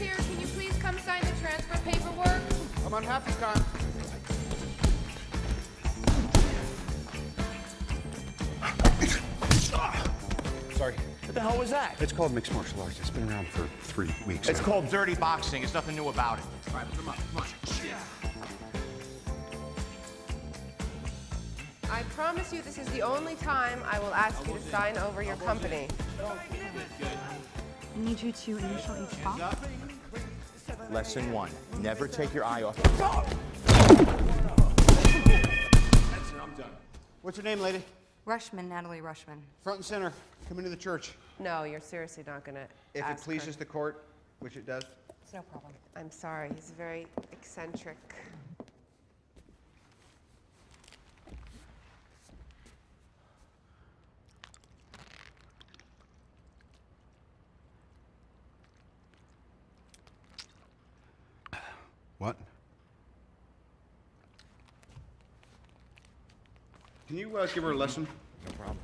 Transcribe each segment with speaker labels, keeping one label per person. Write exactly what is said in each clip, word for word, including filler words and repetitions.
Speaker 1: here, can you please come sign the transfer paperwork?
Speaker 2: I'm on happy time. Sorry.
Speaker 3: What the hell was that?
Speaker 2: It's called mixed martial arts. It's been around for three weeks.
Speaker 3: It's
Speaker 2: now.
Speaker 3: called dirty boxing. There's nothing new about it.
Speaker 2: All right, put them up. Come on.
Speaker 1: I promise you this is the only time I will ask you to sign over your company.
Speaker 4: I need you to initial each box.
Speaker 3: Lesson one, never take your eye off.
Speaker 2: What's your name, lady?
Speaker 4: Rushman, Natalie Rushman.
Speaker 2: Front and center. Come into the church.
Speaker 1: No, you're seriously not gonna
Speaker 2: If it
Speaker 1: ask
Speaker 2: pleases
Speaker 1: her.
Speaker 2: the court, which it does.
Speaker 4: It's no problem.
Speaker 1: I'm sorry, he's very eccentric.
Speaker 2: What? Can you uh, give her a lesson?
Speaker 3: No problem.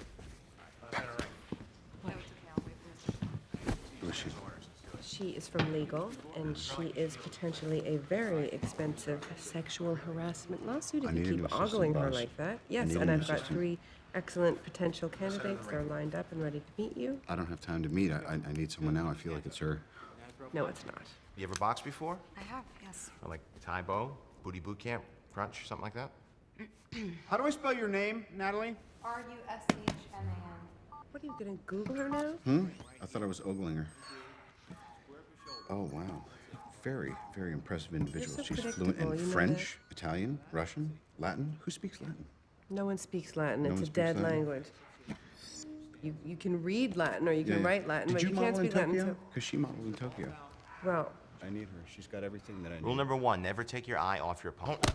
Speaker 2: Who is she?
Speaker 1: She is from legal, and she is potentially a very expensive sexual harassment lawsuit
Speaker 2: I
Speaker 1: if you
Speaker 2: need a new
Speaker 1: keep ogling
Speaker 2: assistant,
Speaker 1: her
Speaker 2: boss.
Speaker 1: like that.
Speaker 2: I
Speaker 1: Yes,
Speaker 2: need a
Speaker 1: and
Speaker 2: new
Speaker 1: I've got
Speaker 2: assistant.
Speaker 1: three excellent potential candidates. They're lined up and ready to meet you.
Speaker 2: I don't have time to meet. I, I, I need someone now. I feel like it's her.
Speaker 1: No, it's not.
Speaker 3: You ever boxed before?
Speaker 4: I have, yes.
Speaker 3: Or like Thai Bo, Booty Boot Camp, Crunch, something like that?
Speaker 2: How do I spell your name, Natalie?
Speaker 4: R U S H M A N.
Speaker 1: What are you gonna Google her now?
Speaker 2: Hmm? I thought I was ogling her. Oh, wow. Very, very impressive individual.
Speaker 1: so
Speaker 2: She's fluent
Speaker 1: predictable,
Speaker 2: in
Speaker 1: you know
Speaker 2: French, Italian, Russian, Latin. Who speaks Latin?
Speaker 1: No one speaks Latin.
Speaker 2: No
Speaker 1: it's
Speaker 2: one
Speaker 1: a
Speaker 2: speaks
Speaker 1: dead
Speaker 2: Latin?
Speaker 1: language. You you can read Latin or you can
Speaker 2: Yeah, yeah.
Speaker 1: write Latin,
Speaker 2: Did
Speaker 1: but
Speaker 2: you,
Speaker 1: you,
Speaker 2: model
Speaker 1: can't speak
Speaker 2: in
Speaker 1: Latin.
Speaker 2: Tokyo?
Speaker 1: So,
Speaker 2: Because she modeled in Tokyo.
Speaker 1: well,
Speaker 2: I need her. She's got everything that I need.
Speaker 3: Rule number one, never take your eye off your opponent.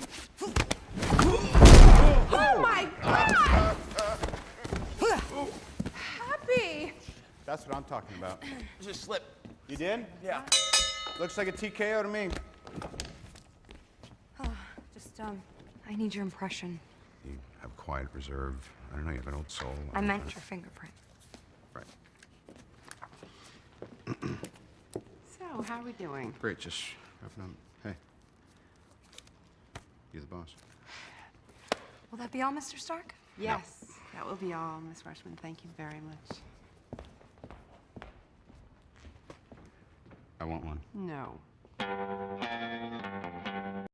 Speaker 1: oh my God! Happy.
Speaker 2: That's what I'm talking about.
Speaker 3: Just slip.
Speaker 2: You did?
Speaker 3: Yeah.
Speaker 2: Looks like a T K O to me.
Speaker 4: Oh, just, um, I need your impression.
Speaker 2: You have quiet reserve. I don't know. You have an old soul.
Speaker 4: I meant your fingerprint.
Speaker 2: Right.
Speaker 1: So, how are we doing?
Speaker 2: Great. Just wrapping up. Hey. You're the boss.
Speaker 4: Will that be all, Mister Stark?
Speaker 5: Yes, that will be all, Miss Rushman. Thank you very much.
Speaker 2: I want one.
Speaker 5: No.